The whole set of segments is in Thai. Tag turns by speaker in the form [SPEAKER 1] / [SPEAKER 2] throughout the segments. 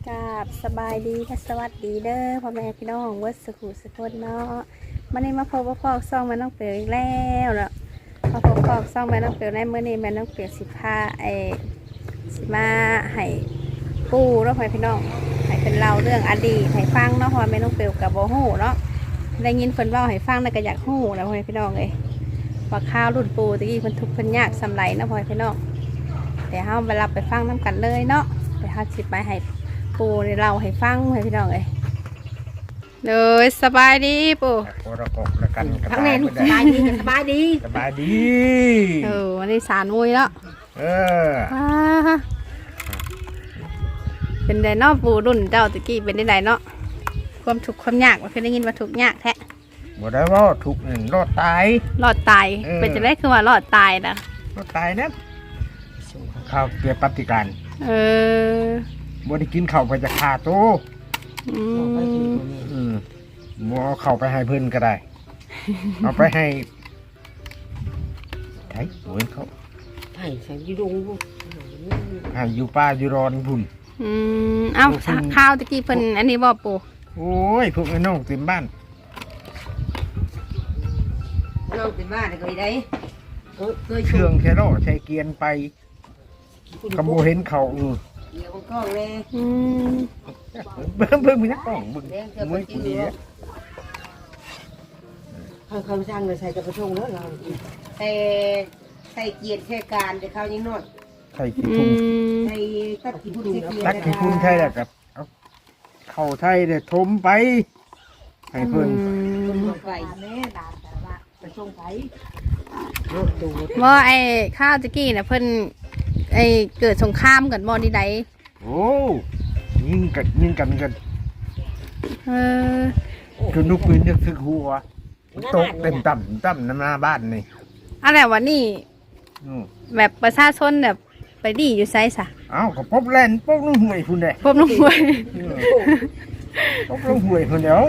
[SPEAKER 1] กราบสบายดีและสวัสดีเด้อพ่อแม่พี่น้องวัดสุขุสุขนเนาะวันนี้มาพบว่าพ่อซ่องแม่น้องเปียวอีกแล้วเนาะมาพบพ่อซ่องแม่น้องเปียวในมื้อนี้แม่น้องเปียวสิมาให้ปู่เนาะพ่อแม่พี่น้องให้เป็นเล่าเรื่องอดีตให้ฟังเนาะเพราะว่าแม่น้องเปียวกับโบฮู้เนาะได้ยินเพิ่นเว้าให้ฟังแล้วก็อยากฮู้นะพ่อแม่พี่น้องเอ้ยว่าข้าวรุ่นปู่ตะกี้เพิ่นทุกข์เพิ่นยากสำไรเนาะพ่อแม่พี่น้องเดี๋ยวเฮาไปรับไปฟังนํกันเลยเนาะเดี๋ยวเฮาสิไปให้ปู่เราให้ฟังให้พี่น้องเอ้ยเลยสบายดีปู่
[SPEAKER 2] โอระกละกัน
[SPEAKER 3] ทั้งเน้นสบายดีสบายดี
[SPEAKER 2] สบายดี
[SPEAKER 1] วันนี้สารมุยแล้วเป็นไดเนาะปู่รุ่นเจ้าตะกี้เป็นไดเนาะความทุกข์ความยากว่าเคยได้ยินว่าทุกข์ยากแท้
[SPEAKER 2] บ่ได้ว่าทุกข์นี่รอดตาย
[SPEAKER 1] เป็นจะได้คือว่ารอดตายนะ
[SPEAKER 2] รอดตายนะข้าวเกียรปฏิการบ่ได้กินข้าวไปจะฆ่าโตบ่เอาเข้าไปให้เพิ่นก็ได้เอาไปให้ไถเหมือนเขา
[SPEAKER 3] ให้ใส่ยูดง
[SPEAKER 2] ให้อยู่ป่าอยู่รอนพุ่น
[SPEAKER 1] เอ้าข้าวตะกี้เพิ่นอันนี้บ่ปู่
[SPEAKER 2] โอ้ยพวกไอ้น้องเต็มบ้าน
[SPEAKER 3] น้องเต็มบ้านก็ได้
[SPEAKER 2] เครื่องแค่รอใช้เกียนไปกำโบเห็นเขา
[SPEAKER 3] เดี๋ยวกล้องเลย
[SPEAKER 2] เบิ่งมีนักกล้องเบิ่งมวยกูดีเนี่ย
[SPEAKER 3] เขาสร้างเลยใส่กระพงแล้วเราใส่เกียรติใส่การแต่เขายังนอด
[SPEAKER 2] ใส่ขี้พุ่น
[SPEAKER 3] ใส่ตัดขี้พุ่น
[SPEAKER 2] ตัดขี้พุ่นใช่แหละครับเข้าไทยเดี๋ยวทมไปให้เพิ่น
[SPEAKER 3] ไปแม่ด่าแต่ว่าจะส่งไป
[SPEAKER 1] ว่าไอ้ข้าวตะกี้น่ะเพิ่นไอ้เกิดสงครามกันบ่ดีใด
[SPEAKER 2] โอ้ยิงกันคือลูกปืนจะถึกหัวตกเต็มต่ำน้ำหน้าบ้านนี่
[SPEAKER 1] อะไรวะนี่แบบประชาชนแบบไปดีอยู่ไซส์อะ
[SPEAKER 2] เอ้าก็พบแลนพบลุงห่วยพุ่นเด้
[SPEAKER 1] พบลุงห่วย
[SPEAKER 2] พบลุงห่วยพุ่นเดียว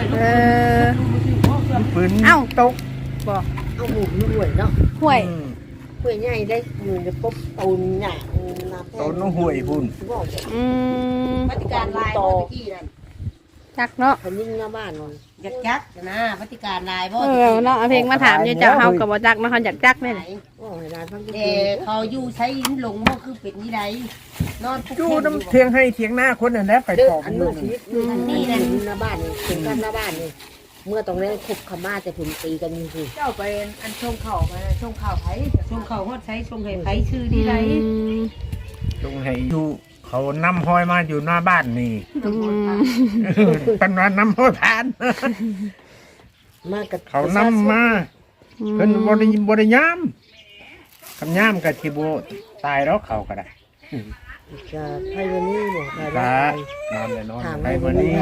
[SPEAKER 2] ปืนตก
[SPEAKER 1] บอก
[SPEAKER 3] เอาหมูลุงห่วยเนาะ
[SPEAKER 1] ห่วย
[SPEAKER 3] ใหญ่ได้อยู่ในปุ๊บตูนใหญ่
[SPEAKER 2] ตูนน้องห่วยพุ่น
[SPEAKER 3] ปฏิการลายตกี้นั่น
[SPEAKER 1] จักเนาะ
[SPEAKER 3] คนยิ่งหน้าบ้านจักนะปฏิการลายบ่
[SPEAKER 1] เนาะเพลงมาถามอยู่เจ้าเฮากับบ่จักเนาะเขาอยากจักได้ไหน
[SPEAKER 3] เขาอยู่ใช้ลิ้นหลงบ่คือเป็นนี่ไรนอน
[SPEAKER 2] อยู่น้ำเทียงให้เทียงหน้าคนนั่นแหละไปขอบมือ
[SPEAKER 3] นี่นั่นหน้าบ้านนี่ถึงกันหน้าบ้านนี่เมื่อตรงนี้คุบขม่าจะผุนตีกันอยู่สิ
[SPEAKER 4] เจ้าไปอันช่วงเข่าไปช่วงเข่าไผ่
[SPEAKER 3] ช่วงเข่าฮอดใช้ช่วงไผ่ชื่อดีไร
[SPEAKER 2] ช่วงไผ่อยู่เขานำห้อยมาอยู่หน้าบ้านนี่เป็นวันนำห้อยผ่าน
[SPEAKER 3] มากับ
[SPEAKER 2] เขานำมาเพิ่นบริยามคำยามกับชิโบตายแล้วเขาก็ได้
[SPEAKER 3] จะไพ่วันนี้บอก
[SPEAKER 2] ไปนอนเลยนอนไพ่วันนี้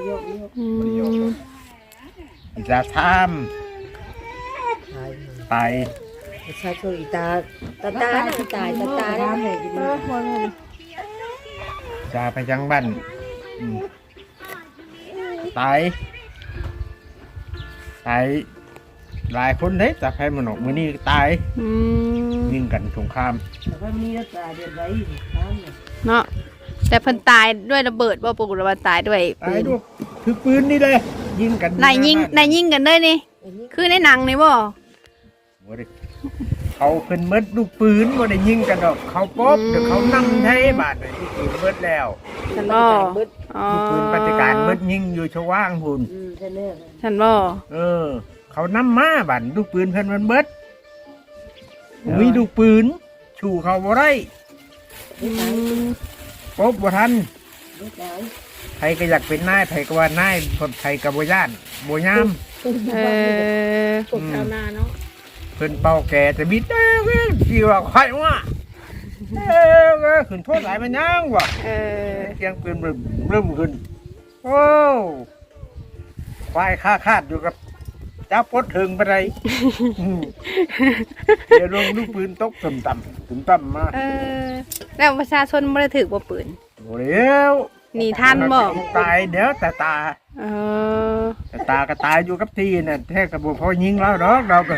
[SPEAKER 2] จะทำไป
[SPEAKER 3] ใช้ตัวอีตาตายแล้วเหนื่อยดีมาก
[SPEAKER 2] จะไปจังบ้านตายหลายคนเด้แต่ใครมันออกมือนี่ตายยิงกันสงคราม
[SPEAKER 3] แต่ว่ามีรักษาเดือนไว้
[SPEAKER 1] เนาะแต่เพิ่นตายด้วยระเบิดบ่ปกติว่าตายด้วย
[SPEAKER 2] ปืนคือปืนนี่เลยยิงกัน
[SPEAKER 1] นายยิงกันเลยนี่คือในหนังนี่บ่
[SPEAKER 2] เขาเพิ่นมดลูกปืนบ่ได้ยิงกันดอกเขาป๊อบเดี๋ยวเขานำไทยบาดเลยลูกปืนมดแล้วลูกปืนปฏิการมดยิงอยู่ชว่างหุ่น
[SPEAKER 1] ฉันบ่
[SPEAKER 2] เขานำมาบาดลูกปืนเพิ่นมันเบิดมีลูกปืนชูเขาบ่ได้ป๊อบบ่ทันใครก็อยากเป็นนายใครก็ว่านายคนใครก็บ่ย่านบ่ยาม
[SPEAKER 3] ตกชาวนาเนาะ
[SPEAKER 2] เพิ่นเป่าแก่แต่บิดจีว่าใครวะขึ้นโทษหลายมันยังวะเสียงปืนเริ่มขึ้นโอ้ควายคาดอยู่กับจ้าปดถึงไปไรเดี๋ยวลงลูกปืนตกต่ำมา
[SPEAKER 1] แล้วประชาชนไม่ได้ถือว่าปืน
[SPEAKER 2] โอ้เดี๋ยว
[SPEAKER 1] นี่ท่านบอก
[SPEAKER 2] ตายเดี๋ยวแต่ตาก็ตายอยู่กับที่เนี่ยแท้กระบอกพอยิงแล้วเนาะเราก็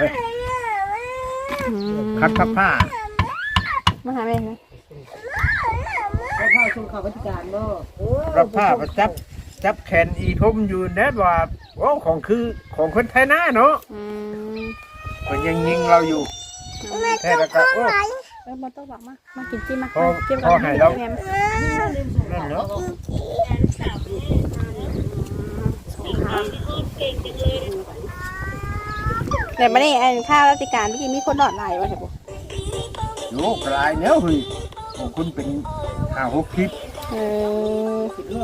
[SPEAKER 2] คัดผ้า
[SPEAKER 1] มาหาแม่ไหม
[SPEAKER 3] ส่งข่าวราชการบ่โอ้
[SPEAKER 2] รับผ้าประจับแขนอีทมอยู่แน่ว่าโอ้ของคือของคนไทยนะเนาะ
[SPEAKER 1] อืม
[SPEAKER 2] มันยังยิงเราอยู่แท้แล้วก็โอ้
[SPEAKER 1] บ่ต้องบอกมากินจิ้มมา
[SPEAKER 2] พอ
[SPEAKER 1] จิ้ม
[SPEAKER 2] พอให้เรา
[SPEAKER 1] แหนม
[SPEAKER 2] นั่นเนาะ
[SPEAKER 1] แต่ไม่ได้อันข้าวราชการเมื่อกี้มีคนดอดไหลวะเห็นปะ
[SPEAKER 2] โยกลายเนี้ยเฮ้ยของคุณเป็น5-6คลิป
[SPEAKER 1] เออ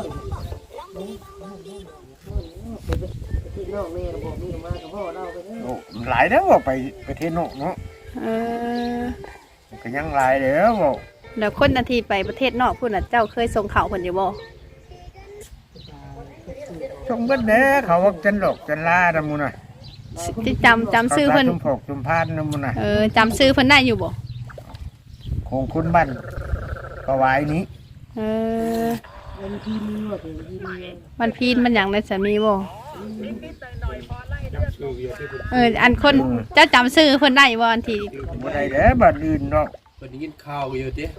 [SPEAKER 3] ที่น้องแม่บอกนี่มากับพ่อเราไปเด้อ
[SPEAKER 2] โอ้หลายแล้วบอกไปประเทศนอกเนาะ
[SPEAKER 1] เออ
[SPEAKER 2] ก็ยังหลายแล้วบอก
[SPEAKER 1] แล้วคนนาทีไปประเทศนอกพุ่นน่ะเจ้าเคยส่งข่าวเพิ่นอยู่บ่
[SPEAKER 2] ช่องเบิ้ลเด้อเขาว่าจันหลอกจันลาดำมูน่ะ
[SPEAKER 1] ที่จำชื่อเพิ่น
[SPEAKER 2] จุมพกจุมพานดำมูน่ะ
[SPEAKER 1] จำชื่อเพิ่นได้อยู่บ่
[SPEAKER 2] ของคุณบ้านประวายนี้
[SPEAKER 1] เออ
[SPEAKER 3] วันที่มีว่าถึงที่มี
[SPEAKER 1] มันพีนมันหยังในสามีบ่อันคนเจ้าจำชื่อเพิ่นได้บ่อันที่
[SPEAKER 2] บ่ได้เด้อบ้านอื่นเนาะ
[SPEAKER 5] เพิ่นได้ยินข่าวอยู่ติ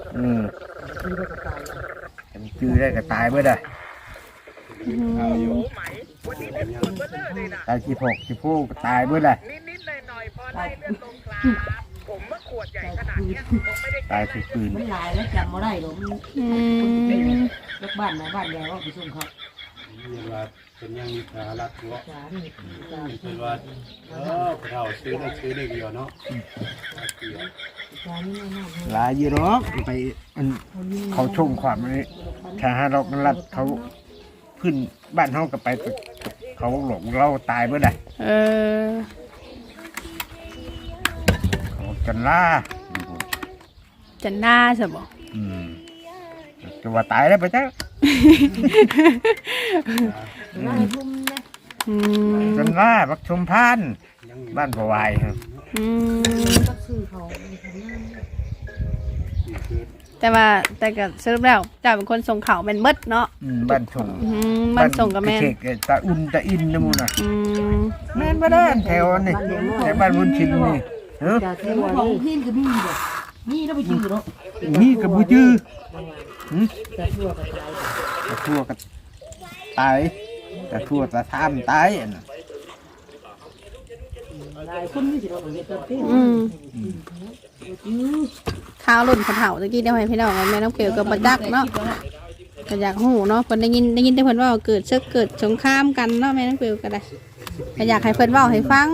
[SPEAKER 2] จำชื่อได้ก็ตายเบิดอ่ะ
[SPEAKER 5] ข่าวอยู่
[SPEAKER 2] ตายขี้พกขี้ผู้ก็ตายเบิดอ่ะตายคือปืน
[SPEAKER 3] มันหลายแล้วจำบ่ได้หรอกมัน
[SPEAKER 1] อืม
[SPEAKER 3] ลูกบ้านมาบ้านยายว่าไปส่งเขา
[SPEAKER 5] เรียกว่าเป็นยังมีสาระตัว
[SPEAKER 3] สาร
[SPEAKER 5] เพิ่นว่าเราซื้อได้เดียวเนาะ
[SPEAKER 3] สารนี่น่า
[SPEAKER 2] หลายอยู่หรอกไปอันเขาชงความนี้ถ้าหาเรามันรัดเขาขึ้นบ้านเฮาก็ไปเขาหลงเราตายเบิดอ่ะ
[SPEAKER 1] เออ
[SPEAKER 2] เขาจันล่า
[SPEAKER 1] จันหน้าซะบ่
[SPEAKER 2] จะว่าตายแล้วไปจ้ะ
[SPEAKER 3] น่าให้พุ่มนะ
[SPEAKER 1] อืม
[SPEAKER 2] จันล่าบักชุมพานบ้านประวายครับ
[SPEAKER 1] อืม
[SPEAKER 3] ก็ซื้อเขาทำงาน
[SPEAKER 1] แต่ก็สรุปแล้วเจ้าเป็นคนส่งข่าวแม่นเบิดเนาะ
[SPEAKER 2] บ้านชง
[SPEAKER 1] มันส่งกับแม่น
[SPEAKER 2] เขกตาอุ่นตาอินนะมูน่ะ
[SPEAKER 1] อืม
[SPEAKER 2] แม่นบ่ได้แถวนี่แต่บ้านบุญชินนี่เออ
[SPEAKER 3] จากที่ว่านี่พี่ก็มีบ่มีแล้วไปชื่อเนาะ
[SPEAKER 2] นี่กับบูจื้อ
[SPEAKER 3] แต่ทั่วกับตาย
[SPEAKER 2] ตะทั่วก็ตายตะทั่วตะทามตายอันน่ะ
[SPEAKER 3] หลายคนมีสิเราเฮ็ดกันที่
[SPEAKER 1] อืมข้าวหล่นขะเถาตะกี้เดี๋ยวให้พี่น้องเอาแม่น้องเกลกับบัจักเนาะก็อยากหูเนาะเพิ่นได้ยินแต่เพิ่นว่าเกิดศึกเกิดสงครามกันเนาะแม่น้องเกลก็ได้ก็อยากให้เพิ่นเว้าให้ฟัง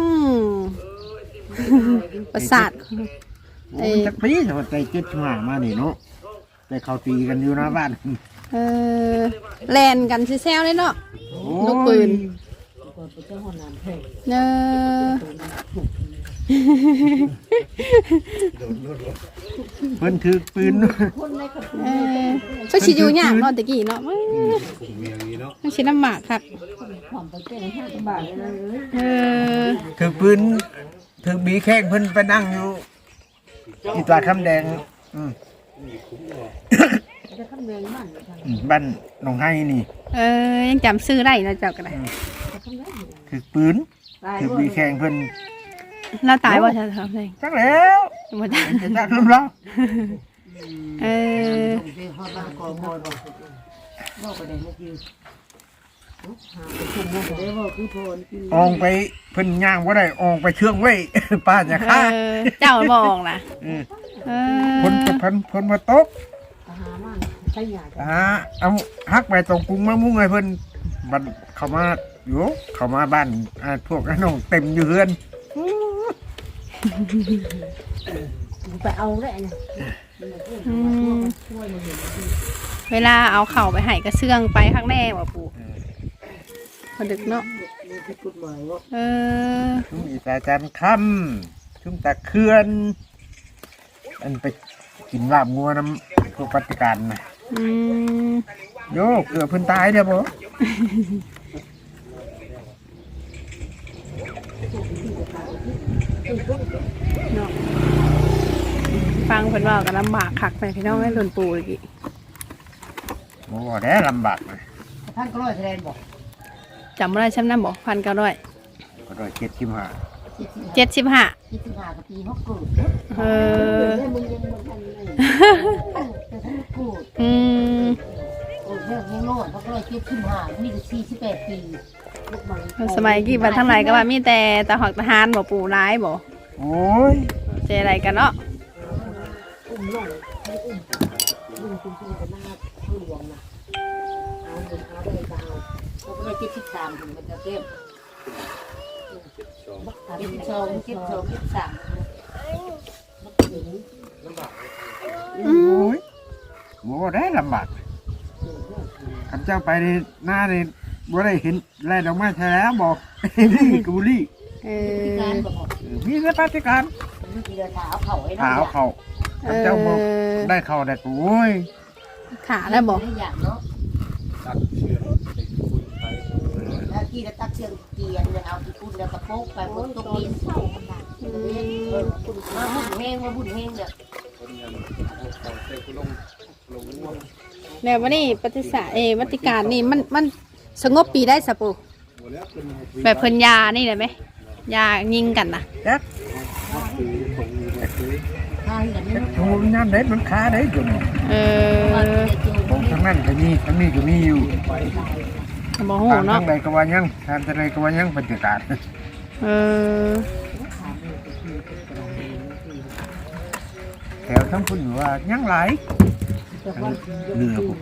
[SPEAKER 1] ประสาท
[SPEAKER 2] โอ้ยจักปีแต่ว่าใจเจ็ดช่วงมานี่เนาะแต่เขาตีกันอยู่หน้าบ้าน
[SPEAKER 1] แลนกันซิแซวเลยเนาะ ลูกปืน
[SPEAKER 3] ก่อนไปเจ้าห้องน้ำแพง
[SPEAKER 1] เออ
[SPEAKER 2] เพิ่นถือปืน
[SPEAKER 1] สักชิอยู่ยากเนาะตะกี้เนาะ
[SPEAKER 5] เมียงนี้เนาะ
[SPEAKER 1] มันชิลำบากครับ
[SPEAKER 3] ความไปแก้5 บาทเลยนะเอ้ย
[SPEAKER 1] เออ
[SPEAKER 2] ถือปืนถือบีแข้งเพิ่นไปนั่งอยู่ที่ตลาดคำแดง
[SPEAKER 3] จะทำแรงมัน
[SPEAKER 2] บ้านหนองไห้นี่
[SPEAKER 1] ยังจำซื้อได้นะเจ้าก็ได้
[SPEAKER 2] ถือปืน
[SPEAKER 3] ตาย
[SPEAKER 2] ถือบีแข้งเพิ่น
[SPEAKER 1] เราตายว่าจะทำไง
[SPEAKER 2] จักแล้ว
[SPEAKER 1] บ่ได้
[SPEAKER 2] จะจักลืมแล้ว
[SPEAKER 1] เออ
[SPEAKER 3] ไปฮอดบ้านกองบ่บ่บ่ไปได้เมื่อกี้หาไปชุมบ่ได้บ่คือพรกิน
[SPEAKER 2] อองไปเพิ่นย่างบ่ได้อองไปเชื่องไว้ ป้าจะฆ่า
[SPEAKER 1] เจ้าบอกนะ
[SPEAKER 2] คนมาตก
[SPEAKER 3] หามันใช้ยา
[SPEAKER 2] เอาฮักไปตรงกรุงมามุ่งให้เพิ่นบัดเข้ามาอยู่เข้ามาบ้านพวกน้องเต็มอยู่เฮือน
[SPEAKER 3] ไปเอาได้นะ
[SPEAKER 1] เวลาเอาเข่าไปให้ก็เสื่องไปข้างแน่ว่ะปู่พอดึกเนาะ
[SPEAKER 3] ผิดกฎหมายว่า
[SPEAKER 2] ชุมอีตาจันคำชุมตะเคือนอันไปกินลาบงัวน้ำพวกปฏิการนะโยเกือบเพิ่นตายเด้อบ่
[SPEAKER 1] ฟังเพิ่นว่าก็ลำบากคักไปพี่น้องให้หล่นปู่อีก
[SPEAKER 2] บ่ได้ลำบากนะ
[SPEAKER 3] ท่านก็ร้อยแสดงบอก
[SPEAKER 1] จำไม่ได้ช้ำน้ำบอก1,900
[SPEAKER 2] ก็ได้75
[SPEAKER 1] 75
[SPEAKER 3] 25กับปีเขาเกิด
[SPEAKER 1] เออ
[SPEAKER 3] มึงยังบ่ทันเลยแต่ท่านเกิด
[SPEAKER 1] อืม
[SPEAKER 3] เรื่องยังโน่นเขาก็เลยเก็บขึ้นหามีแต่48 ปี
[SPEAKER 1] สมัยกี่บัดทั้งหลายก็ว่ามีแต่ตาหอกทหารบ่ปู่ร้ายบ่
[SPEAKER 2] โอ้ย
[SPEAKER 1] เจอะไรกันเนาะ
[SPEAKER 3] อุ้มน้องให้อุ้มคุณพี่กันหน้าผู้หลวงนะเอาเงินเอาได้ก็เอาเขาก็เลยเก็บ13ถึงมันจะเก็บเก็บ2เก็บ2เก็บ3
[SPEAKER 2] โอ้ยบ่ได้ลำบากข้าเจ้าไปในหน้าในบ่ได้เห็นแลดอกไม้แท้แล้วบอก นี่กุลี
[SPEAKER 3] การบอก
[SPEAKER 2] มีแต่ปฏิการ
[SPEAKER 3] มีเดินเท้าเขาไอ้น้
[SPEAKER 2] หาเขาข้าเจ้าบอกได้เข้าได้โอ้ย
[SPEAKER 1] ขาแล้วบ่
[SPEAKER 3] ได้อย่างเนาะ
[SPEAKER 5] ตักเชือกไปคุยไป
[SPEAKER 3] แล้วกี่ตักเชียงเกียนเนี่ยเอาที่คุณแล้วกระโปงไปบนตรงนี้มาบุญแห้งมาบุญแห้งเนี่ย
[SPEAKER 5] คนยังเขาเตะกุลงง่วง
[SPEAKER 1] แล้ววันนี้ปฏิสาวัติการนี่มันสงบปีได้สะปู่
[SPEAKER 5] หมดแล้วเป็น
[SPEAKER 1] แบบเพิ่นยานี่เลยไหมยายิงกันนะ
[SPEAKER 2] จัก
[SPEAKER 5] คือคงแบบนี้
[SPEAKER 3] ทางแบบนี้
[SPEAKER 2] จักโทรน้ำได้มันค้าได้จุ่ม
[SPEAKER 3] มันจะจู
[SPEAKER 2] ของทางนั้นก็มีทางนี้ก็มีอยู่
[SPEAKER 1] บ่ฮู้
[SPEAKER 2] ทาง
[SPEAKER 1] เนาะ
[SPEAKER 2] ใดก็ว่ายังทางใดก็ว่ายังปฏิการ แถวทั้งพุ่นว่ายังหลายเหนือผม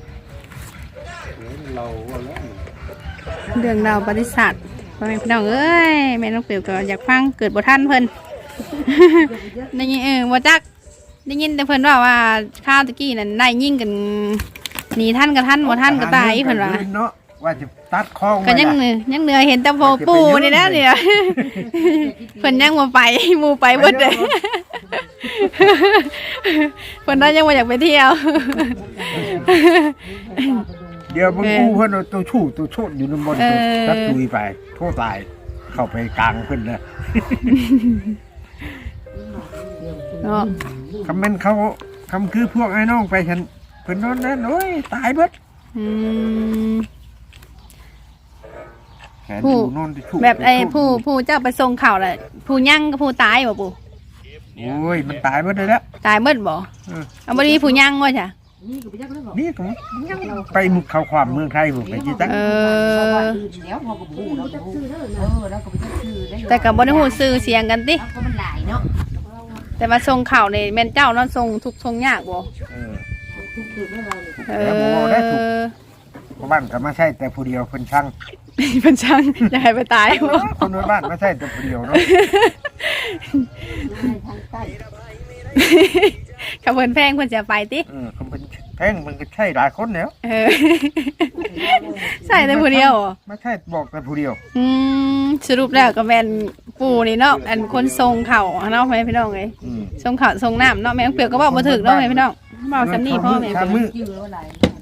[SPEAKER 5] เราว่าแล้ว
[SPEAKER 1] เรื่องราวประวัติศาสตร์พ่อแม่พี่น้องเอ้ยแม่น้องเปียวก็อยากฟังเกิดบ่ทันเพิ่น ได้ยินบ่จักได้ยินแต่เพิ่นว่าข้าวตะกี้นั่นได้ยิงกันหนีท่านกับท่านบ่ท่านก็ตายเพิ่นว่า
[SPEAKER 2] เนาะว่าจะตัดคลอง
[SPEAKER 1] ก็ยังเหนือเห็นแต่โพปูนี่แล้วนี่นะ เพิ่นยังบ่ไปหมู่ไปเบิดเลย เพิ่นได้ยังบ่อยากไปเที่ยว
[SPEAKER 2] เดี๋ยวมันกู้เพิ่นเอาตัวชู้ตัวโชดอยู่ในบนตัวตัดตุยไปโทษตายเข้าไปกลางเพิ่นนะ
[SPEAKER 1] เนาะ
[SPEAKER 2] คำเป็นเขาคำคือพวกไอ้น้องไปฉันเพิ่นนอนนั้นโอ้ยตายเบิด
[SPEAKER 1] อืม
[SPEAKER 2] แขนอยู่นอนที่ชู้
[SPEAKER 1] แบบผู้เจ้าไปส่งข่าวแหละผู้ยั่งกับผู้ตายบ่ปู่
[SPEAKER 2] โอ้ยมันตายเบิดเลยแล้ว
[SPEAKER 1] ตายเบิดบ่เอาบ่ดีผู้ยั่งว่าจ้ะ
[SPEAKER 3] นี่ก็ไปยักษ์แล้วบอก
[SPEAKER 2] นี่ก็ยังไปมุกเข้าความเมืองไทยผมไปจิตัก
[SPEAKER 3] แล้วพอกับบูเราจะซื้อแล้วก็ไปซื้อได้
[SPEAKER 1] แต่ก็บ่ได้ฮู้ชื่อเสียงกันติ
[SPEAKER 3] ก็มันหลายเนาะ
[SPEAKER 1] แต่ว่าส่งข่าวนี่แม่นเจ้าเนาะส่งทุกข์ส่งยากบ่
[SPEAKER 3] ทุกคืนเราเลย
[SPEAKER 2] เพราะบ้านก็มาใช่แต่ผู้เดียวเพิ่นช่าง
[SPEAKER 1] เพิ่นช่างอย่าให้ไปตายบ่
[SPEAKER 2] คนในบ้านมาใช่แต่ผู้เดียวเนาะ
[SPEAKER 3] ทางใต้
[SPEAKER 1] กับเพิ่นแพงเพิ่นจะไปติ
[SPEAKER 2] เขาเป็นแพ่งมันก็ใช่หลายคนแล้ว
[SPEAKER 1] ใส่แต่ผู้เดียวเหรอ
[SPEAKER 2] ไม่ใช่บอกแต่ผู้เดียว
[SPEAKER 1] สรุปแล้วก็แม่นปู่นี่เนาะอันคนทรงเข่าเนาะแม่พี่น้องเอ้ยทรงเข่าทรงน้ำเนาะแม่เปียกก็บอกบ่ถึกเนาะแม่พี่น้องบอกสำนีพ่อแม่
[SPEAKER 2] ชา
[SPEAKER 1] เปียก
[SPEAKER 2] มือ
[SPEAKER 3] ยื้อว่าหลาย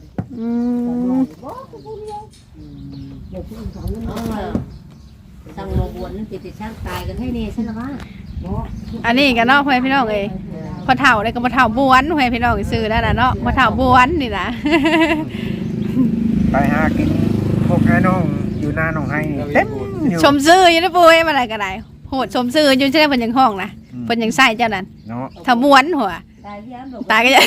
[SPEAKER 3] สั่งมาบวนนั่นติดช่างตายกันให้เนใช่หรือเปล่า
[SPEAKER 1] อันนี้กันเนาะแม่พี่น้องเอ้ยพอเฒ่าได้ก็บ่เฒ่าบวนแม่พี่น้องซื้อได้ล่ะเนาะบ่เฒ่าบวนนี่ล่ะ
[SPEAKER 2] ไปหากินพวกไอ้น้องอยู่หน้าน้องไห้เต็มอยู่
[SPEAKER 1] ชมซื้ออยู่นะปู่เอ้ยมาอะไรก็ได้โหดชมซื้ออยู่ใช่เพิ่นยังห้องนะเพิ่นยังใส่เจ้านั้น
[SPEAKER 2] เนาะ
[SPEAKER 1] ถ้าบวนหัว
[SPEAKER 3] ตายย้ำ
[SPEAKER 1] ตายก็จะ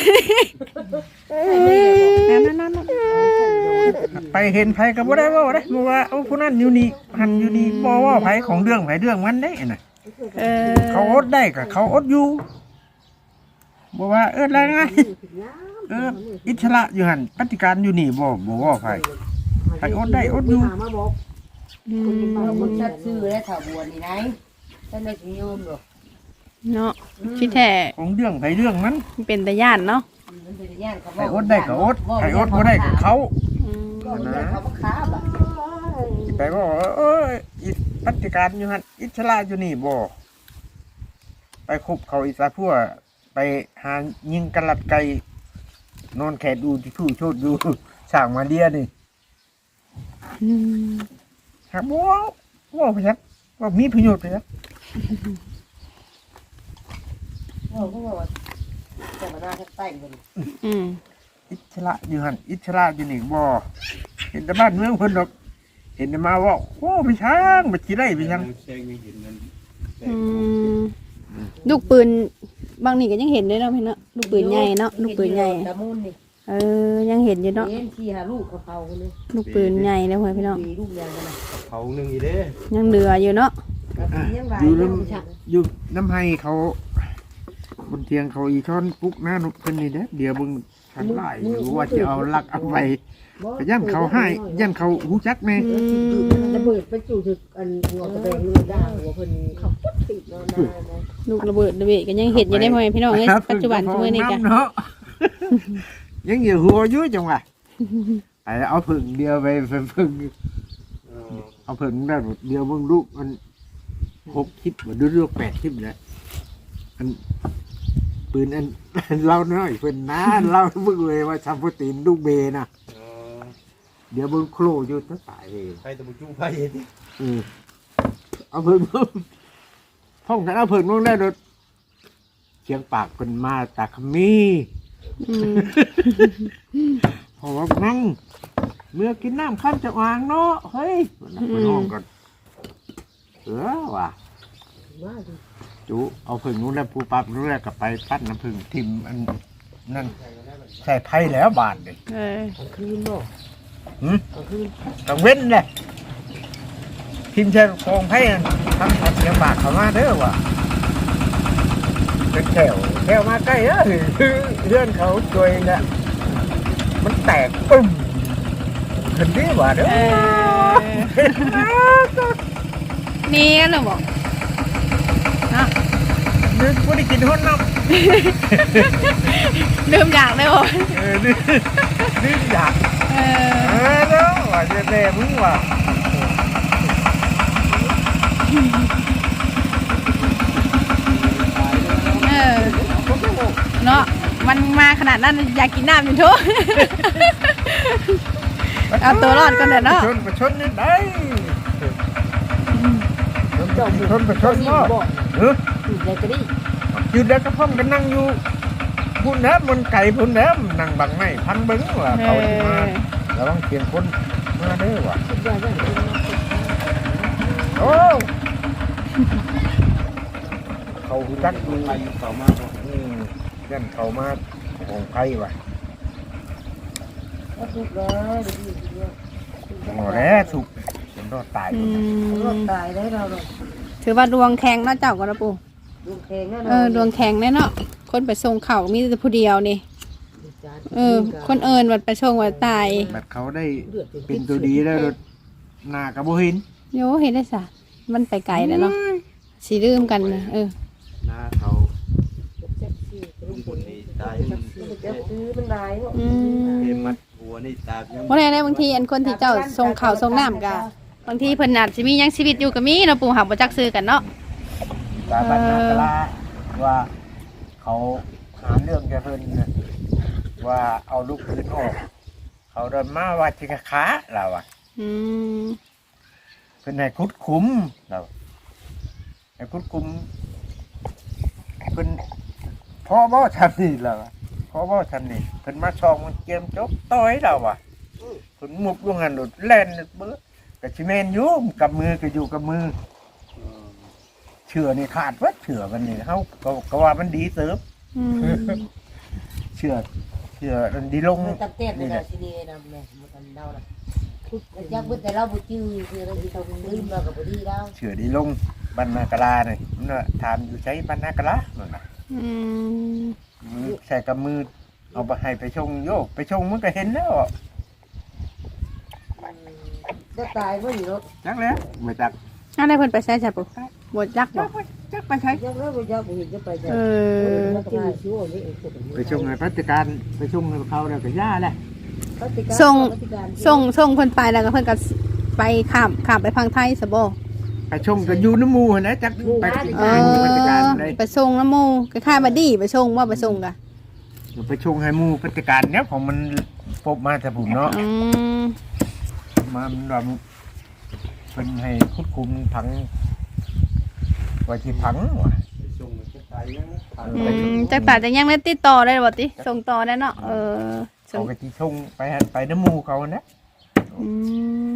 [SPEAKER 1] นั่น
[SPEAKER 2] ไปเห็นไผก็บ่ได้เว่าได้บ่ว่าเอาผู้นั้นอยู่นี่หันอยู่นี่บ่ว่าไผของเรื่องไผเรื่องมันได้น่ะเขาอดได้ก็เขาอดอยู่บ่ว่าอะไรนะอิสระอยู่หั่นปฏิการอยู่นี่บ่ว่าไผไผอดได้อดอยู่
[SPEAKER 3] มาบอกคนชัดชื่อและถาวรนี่ไหนท่านได้ถึงโยมหรอ
[SPEAKER 1] เนาะที่แท้
[SPEAKER 2] ของเรื่องไผเรื่องมัน
[SPEAKER 1] เป็นตาย่านเนาะ
[SPEAKER 3] มันเป็นย่านเขา
[SPEAKER 2] ไผอดได้ก็อดไผอดบ่ได้ก็เขา
[SPEAKER 3] เขาก็ค้าแบบ
[SPEAKER 2] ไปว่าอิปฏิการอยู่หั่นอิสระอยู่นี่บ่ไปคบเขาอิสระพวกไปหายิงกระลัดไก่นอนแขดดูที่ผู้โชดดูสั่งมาเลียนี่ครับว่าไปซักว่ามีประโยชน์ไปซัก
[SPEAKER 3] เขาก็บอกว่าจะมาหน้าแค่ใต้กัน
[SPEAKER 2] อิสระอยู่หั่นอิสระอยู่นี่บ่เห็นแต่บ้านเมืองเพิ่นดอกเห็นแต่มาว่าโอ้ไปช้างไปสิได้ไปช้าง
[SPEAKER 5] แซงยังเห็นนั่น
[SPEAKER 1] ลูกปืนบางนี่ก็ยังเห็นด้วยเนาะพี่เนาะลูกปืนใหญ่เนาะลูกปืนใหญ่
[SPEAKER 3] ตะมุนนี่
[SPEAKER 1] ยังเห็นอยู่เนาะ
[SPEAKER 3] เห็นที่หาลูกกระเพราเลย
[SPEAKER 1] ลูกปืนใหญ่แล้วพ่อพี่น้อง
[SPEAKER 3] มีลูกใหญ่กันนะ
[SPEAKER 5] เขาหนึ่งอีเด้
[SPEAKER 1] ยังเหลืออยู่เนาะ
[SPEAKER 3] ยังหลาย
[SPEAKER 2] อยู่
[SPEAKER 3] เรื่
[SPEAKER 2] น้
[SPEAKER 3] องชัก
[SPEAKER 2] ำอยู่น้ำให้เขาบนเตียงเขาอีช้อนปุ๊กหน้านุกเป็นนี่เด้อเดี๋ยวมึงทันไล่อยู่ว่าจะเอาลักเอาไปก็ย่ำเขาให้ย่ำเขาหูจักแม่
[SPEAKER 3] ระเบิดไปจู่ถึกอันหัวกระแบงเลยด่าหัวเพิ่นเขาปุ๊บติดนอนได้นะ
[SPEAKER 1] ลูกระเบิดระเบิดก็ยังเห็นอยู่ได้พ่อพี่น้องในปัจจุบันช่วยนี่กัน
[SPEAKER 2] เนาะยังอยู่หัวอยุ่จังหวะไอ้เอาผึ่งเดียวไปผึ่งเอาผึ่งได้เดียวมึงลูกมัน6 คลิปดูลูก8 คลิปเลยอันปืนอันเล่าน้อยเพิ่นนะเล่ามึงเลยว่าทำโปรตีนลูกเบนะเดี๋ยวมึงโคลอยู่ตั้งตายเอง
[SPEAKER 5] ใครตะบุจุ้งไปดิ
[SPEAKER 2] เอาผึ่งห้องกันเอาผึ่งลงได้รถเชียงปากเป็นมาตาขมีพอว่านั่งเมื่อกินน้ำข้ามจะวางเนาะเฮ้ยมันห้องกันว่ะ
[SPEAKER 3] ว่าดิ
[SPEAKER 2] จูเอาผึ่งนู้นแล้วปูปั๊บนู้นแล้วก็ไปปั้นน้ำผึ่งทิมอันนั่นใส่ไผ่แล้วบาทเลย
[SPEAKER 3] กลางคืนบ่กลางคืน
[SPEAKER 2] ต้องเว้นเลยทิมใส่กองไผ่ทำผัดเชียงปากเขามาเด้อว่ะเป็นแถวมาใกล้เลื่อนเขาตัวเองเนี่ยมันแตกปึ้มเห็นดีกว่าเด้อ
[SPEAKER 1] นี่กันเหรอบอกนะ
[SPEAKER 2] นึกว่าได้กินหุ่นน้ำ
[SPEAKER 1] ดื่มอยากเลยบอก
[SPEAKER 2] นึกอยากเด้อว่าจะแน่มึงว่ะ
[SPEAKER 1] เนาะมันมาขนาดนั้นอยากกินน้ำอยู่ทุก เอาตัวรอดกันเด้อเนาะ
[SPEAKER 2] ประชดนี่ได้ประชด
[SPEAKER 3] นี่
[SPEAKER 2] บ่
[SPEAKER 3] บ่
[SPEAKER 2] Ừ.
[SPEAKER 3] อยู่ในกระดิ่ง
[SPEAKER 2] อยู่แล้วก็พ่อมกันนั่งอยู่พุ่นแล้วมันไก่พุ่นแล้วนั่งบังไม้พันเบิ้งว่าเขาจะมาแล้วต้องเปลี่ยนคนมาเด้อว่ะ
[SPEAKER 3] คิดว่าจะเป็น
[SPEAKER 2] โอ้เขาจักดู
[SPEAKER 5] ไปอยู่เขามาบ่
[SPEAKER 2] ยันเขามาของไก่ว่ะ
[SPEAKER 3] ก็ถูกเลยเดี๋ยวนี้เดียว
[SPEAKER 2] หมดแล้วสุกเป็นรอดตาย
[SPEAKER 3] รถตายได้เราเลย
[SPEAKER 1] ถือว่าดวงแข็งเนาะเจ้ากันนะปู่
[SPEAKER 3] ดวงแข็งแน่นอน
[SPEAKER 1] ดวงแข็งแน่เนาะคนไปส่งเข่ามีแต่ผู้เดียวนี่คนเอิญวัดไปส่งวัดตาย
[SPEAKER 2] บัดเขาได้เป็นตัวดีแล้วรถหน้ากระโบหิน
[SPEAKER 1] โยเห็นได้สะมันไปไกลแล้วเนาะสีลืมกันเลย
[SPEAKER 5] หน้าเขา
[SPEAKER 3] เจ็บซี่
[SPEAKER 5] ลุงคนนี้ตาย
[SPEAKER 3] เจ็บซื้อมันได้เนาะ
[SPEAKER 5] เกมมัดหัวนี่ตายัง
[SPEAKER 1] เพราะในบางทีอันคนที่เจ้าส่งข่าวส่งน้ำกะบางทีเพิ่นอาจจะมียังชีวิตอยู่ก็มีเนาะปู่หักบ่จักซื้อกันเนาะ
[SPEAKER 2] ตาบันนากลาว่าเขาหาเรื่องจะเพิ่นนะว่าเอาลูกปืนออกเขาเดินมาว่าจิกะขาเราอ่ะ
[SPEAKER 1] อืม
[SPEAKER 2] เพิ่นให้คุดคุ้มเราให้คุดคุ้มเพิ่นพ่อบ่ทำนี่เราอะพ่อบ่ทำนี่เพิ่นมาช่องมันเกมจบต่อยเราอ่ะเพิ่นมุกลงหันหลุดแล่นเบ้อกะชิแมนอยู่กับมือก็อยู่กับมือเชื่อนี่ขาดวัดเชื่อมันนี่เฮาก็ว่ามันดีเสริม
[SPEAKER 1] อืม
[SPEAKER 2] เชื่อมันดีลง
[SPEAKER 3] ตับเต้นในเราที่นี่นะแม่มันกันเดาละยักษ์แต่เราบุจื้อคือเราที่เราลืมเรากับบุดีเรา
[SPEAKER 2] เชื่อดีลงบรรณากลาเนี่ยมันว่าถามอยู่ใช้บรรณากลานั่นน่ะ
[SPEAKER 1] อืม
[SPEAKER 2] มือใส่กับมือเอาไปให้ไปชงโยกไปชงมันก็เห็นแล้ว
[SPEAKER 3] จะตายเพราะอยู่รถ
[SPEAKER 2] จักแล้วไม่จัก
[SPEAKER 1] อะไรเพิ่นไปใช้ใช่ปู่บ่จักบ่
[SPEAKER 2] จักไปใช้
[SPEAKER 3] ยักษ์แล้วยักษ์เห็นจะไป
[SPEAKER 1] เออ
[SPEAKER 3] จื้อชั่วนี่เอง
[SPEAKER 2] ไปชงให้พัฒการไปชงให้เขาแล้วก็ย่าแหละ
[SPEAKER 1] ส่งเพิ่นไปแล้วก็เพิ่นก็ไปข้ามไปพังไทยซะบ่
[SPEAKER 2] ไปชงกับยูน้ำมูนะจักไปกิน
[SPEAKER 1] เอ
[SPEAKER 2] พัฒการ
[SPEAKER 1] อ
[SPEAKER 2] เลย
[SPEAKER 1] ไปส่งน้ำหมู่คล้ายๆบัดดี้ไปส่งว่าไปส่งกะ
[SPEAKER 2] ไปชงให้มูพัฒการเนี้ยของมันพบมาแต่ผมเนาะ
[SPEAKER 1] อืม
[SPEAKER 2] มาแบบเป็นให้คุดคุมผังไว้ที่ผังว่ะ
[SPEAKER 5] ไปส่งมันจะตายยังผ่าน
[SPEAKER 1] อื
[SPEAKER 5] ไป
[SPEAKER 1] มจักป่าจะยังได้ติดต่อได้บ่ติส่งต่อได้เนาะส่
[SPEAKER 2] เขา
[SPEAKER 1] ง
[SPEAKER 2] ก็ที่ชงไปน้ำมูเขานะ
[SPEAKER 1] อืม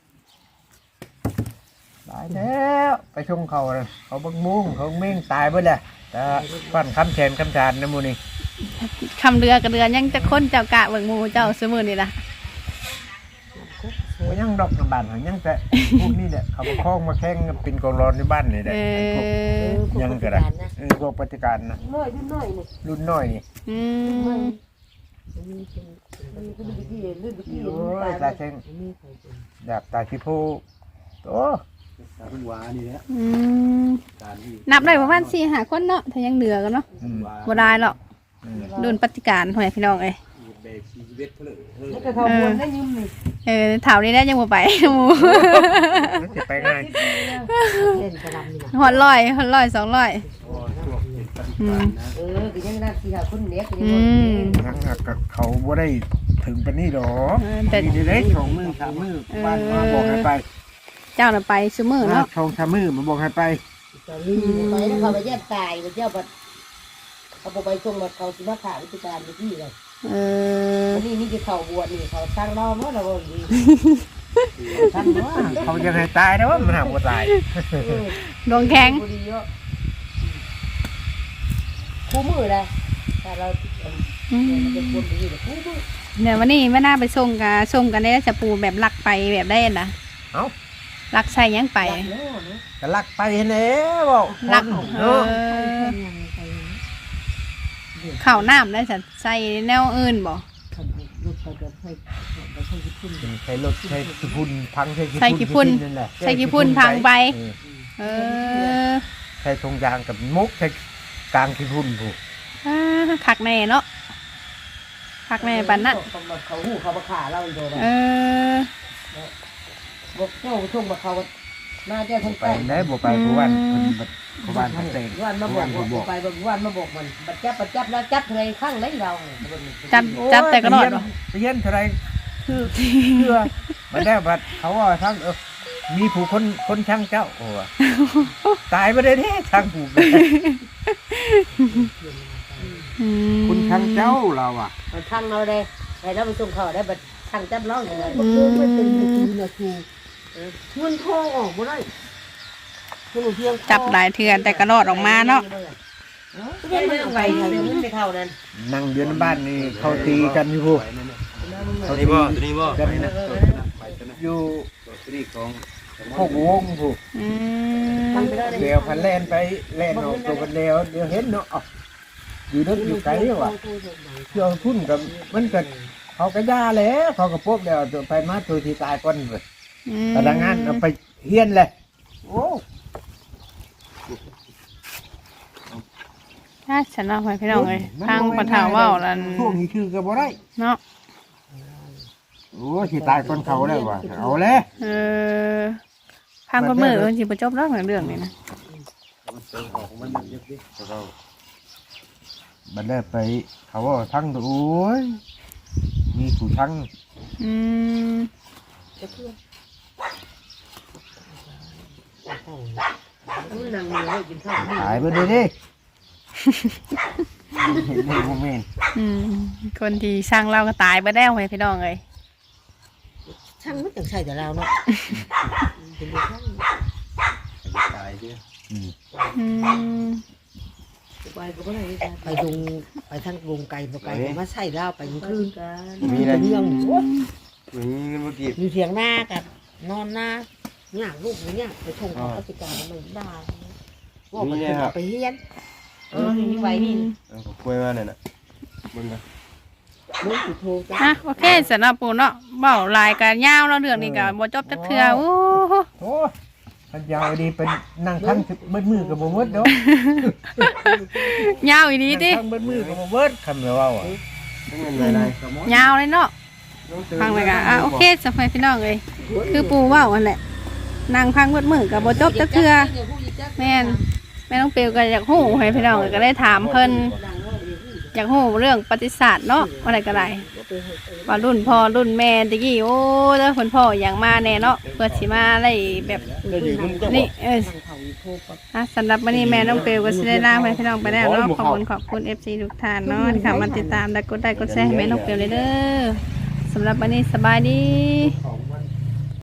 [SPEAKER 2] ตายแล้วไปชงเขาเลยเขาบังมุ้งเขาเม่งตายไปเลยแต่ฟันคำแขนคำชานน้ำมูนี่
[SPEAKER 1] คำเรือกับเรือยังจะค้นเจ้ากะเบิ่งหมูเจ้าซื้อมือนี่ล่ะ
[SPEAKER 2] มันยังดอกน้ำบานยังแต่พวกนี้เนี่ยเขามาคล้องมาแข่งเป็นกองร้อนในบ้านนี่แหละพวกยังก็ได้พวกปฏิการนะ
[SPEAKER 3] น้อยรุ่นน้อยนี่
[SPEAKER 2] รุ่นน้อยนี่
[SPEAKER 1] อืม
[SPEAKER 3] มันเป็นที่รุ่นที่
[SPEAKER 2] โอ้ยตาแข่งดาบตาขี้โพโต
[SPEAKER 5] ตาคุณวานี่แหละ
[SPEAKER 1] อืม
[SPEAKER 5] การที่
[SPEAKER 1] นับได้ประมาณ4-5คนเนาะถ้ายังเหลือกันเนาะบ่ได้หรอกรุ่นปฏิการหอยพี่น้องเอ้ย
[SPEAKER 5] เบรกชีวิตเขาเลยเฮ้ย
[SPEAKER 3] แล้วก็เขาบวนได้ยืมนี่
[SPEAKER 1] เถานี้ได้ยังบ่ไปหมู
[SPEAKER 2] มันจะไปง่าย
[SPEAKER 3] เล่นกระลำนี่นะ
[SPEAKER 1] ฮอด100 200
[SPEAKER 5] พวกเป็นปฏิการนะ
[SPEAKER 3] ก็ยังน่าที่หาคนเนี้ยก็ยัง
[SPEAKER 1] อืม
[SPEAKER 2] ยังกับเขาบ่ได้ถึงปานนี้ดอก
[SPEAKER 1] แต่
[SPEAKER 2] นี่เล็ก2 มื้อ 3 มื้อบ้านมาบอกให้ไป
[SPEAKER 1] เจ้าน่ะไปซุมื้อเนาะ
[SPEAKER 2] 2 3 มื้อมาบอกให้ไป
[SPEAKER 3] จะลืมไปแล้วเขาไปแยกตายไปเจ้าบัดเขาไปส่งบัดเขาสิมาขาวิธีการไปที่เลย นี่คือเขาบวชนี่เขาสร้างรอบเมื่อเราดี
[SPEAKER 2] ท่านว่าเขาจะให้ตายนะว่ามันหาบ่ตาย
[SPEAKER 1] ดวงแข็ง
[SPEAKER 3] ดีเยอะคู่มือเลยแต่เราเป็นคนดีแต่คู่มือ
[SPEAKER 1] เนี่ยวันนี้ไม่น่าไปส่งกันได้จะปูแบบลักไปแบบได้นะ
[SPEAKER 2] เอ้า
[SPEAKER 1] ลักใส่ยังไป
[SPEAKER 2] ก็ลักไปแน่บอก
[SPEAKER 1] ลัก
[SPEAKER 2] เนาะ
[SPEAKER 1] ข้าวน้ำได้จะใส่แนวอื่นบ่
[SPEAKER 2] ใช้รถใช้ขี้พุ่นพังใช้
[SPEAKER 1] ใส่ขี้พุ่น
[SPEAKER 2] นั่นแหละ
[SPEAKER 1] ใส่ขี้พุ่นพังไป เออ
[SPEAKER 2] ใช้ทงยางกับมุกใช้กลางขี้พุ่นผู้
[SPEAKER 1] คักแน่เนาะคักแน่ปันนั่น
[SPEAKER 3] เขาหูเขามาขาเราอีกเลย
[SPEAKER 1] เออ
[SPEAKER 3] บอกเจ้าช่วงมาเขามาเจ้าทั้ง
[SPEAKER 2] ไป
[SPEAKER 3] แป้ง
[SPEAKER 2] ได้บ่ไปผู้วันผู้วันพันเตง
[SPEAKER 3] วันมาบอกไปวันมาบอกมันบัดจับแล้วจับเลยข้างเล่นเรา
[SPEAKER 1] จับแต่ก็รอดบ่
[SPEAKER 2] ไปเย็นเท่าไรคือเชื่อมันได้บัดเขาว่าทั้งมีผู้คนช่างเจ้าโอ้ตายไปเลยเนี่ยช่างผู้ คุณช่างเจ้าเราอ่ะ
[SPEAKER 3] มันช่างเราได้แต่เราไปส่งเขาได้บัดช่างจับเราอย่างไรมันคือไม่เป็นนาทีเงินทองออกมาได้
[SPEAKER 1] จับหลายเทือนแต่ก็รอดออกมาเนาะ
[SPEAKER 3] เรื่องไปเรื่องไปเท่านั้น
[SPEAKER 2] นั่งเดือนบ้านนี่เขาตีกันอยู่ผู้เขาตีกันนะอยู่
[SPEAKER 5] ตัวนี้ของ
[SPEAKER 2] หกวงผู้
[SPEAKER 1] อืม
[SPEAKER 2] เดี๋ยวพันแลนไปแลนออกตัวกันแล้วเดี๋ยวเห็นเนาะอยู่นึกอยู่ไกลว่ะเชื่อพุ่นกับมันเกิดเขาก็ย่าแล้วเขาก็พบแล้วไปมาตัวที่ตายก่อนเลยแต่ละงานเอาไปเฮียนเลยโอ้
[SPEAKER 1] ถ้าฉันเอาไปพี่น้องเลยทางปะถาว่าวแล้ว
[SPEAKER 2] พวกนี้คือกับบ่ได้
[SPEAKER 1] เนาะ
[SPEAKER 2] โอ้ที่ตายก่อนเขาแล้วว่ะเอาแล้ว
[SPEAKER 1] พังประมือมันสิบ่จบแล้วเรื่องนี้นะ
[SPEAKER 5] มันเยอะดิ
[SPEAKER 2] บัดได้ไปเขาว่าทั้งตัวโอ้ยมีผู้ทั้ง
[SPEAKER 1] อืม
[SPEAKER 3] นั่งเลยกินข้าว
[SPEAKER 2] หายไปเลยดิเห็นในโมเมนต์
[SPEAKER 1] คนที่สร้างเราก็ตายไปแล้วไงพี่น้องเลย
[SPEAKER 3] ช่างไม่ต้องใช่แต่เราเนาะ
[SPEAKER 5] ตายดิ
[SPEAKER 3] ไปดงไปทางวงไก่ตัวไก่มาใส่เราไปคืน
[SPEAKER 2] มีอะไร
[SPEAKER 3] เรื่อง
[SPEAKER 5] มีเงินเมื่อกี้
[SPEAKER 3] อยู่เถียงหน้ากันนอนหน้าเนี่ยลูกเนี่ยไปชงเขาปฏิการมันได้ว่ามันไปเฮียนนี่ไว้นี่
[SPEAKER 5] คุยมาเนี่ยนะมึงนะ
[SPEAKER 3] ลูกโทรจ้า
[SPEAKER 1] โอเคสำหรับปูเนาะเบาลายกันยาวแล้วเรื่องนี้ก็บ่จบจักเทื่อโอ้
[SPEAKER 2] โอ้พันยาวดีเป็นนั่งทั้งมืดมือกับบ่มืดเนาะ
[SPEAKER 1] ยาวอีดีติ
[SPEAKER 2] ทั้งมืดมือกับบ่มืดคำเดียวว่าอ่ะ
[SPEAKER 5] เงินอะไร
[SPEAKER 1] ยาวเลยเนาะฟังเลยก็โอเคสำหรับพี่น้องเลยคือปูเว้าอันแหละนางพังมืดก็บ่จบจักเทื่อแม่น้องเปียวก็อยากฮู้ให้พี่น้องก็ได้ถามเพิ่นอยากฮู้เรื่องประวัติศาสตร์เนาะอะไรก็ได้ว่ารุ่นพ่อรุ่นแม่ตะกี้โอ้แล้วคนพ่ออย่างมาแน่เนาะเพื่อสิมาอะไรแบบนี่สำหรับวันนี้แม่น้องเปียวก็สิได้ลาให้พี่น้องไปแล้วเนาะขอบคุณ FC ทุกท่านเนาะที่เข้ามาติดตามและกดไลค์กดแชร์ให้แม่น้องเปียวเลยเด้อสำหรับวันนี้สบายดี
[SPEAKER 3] ของ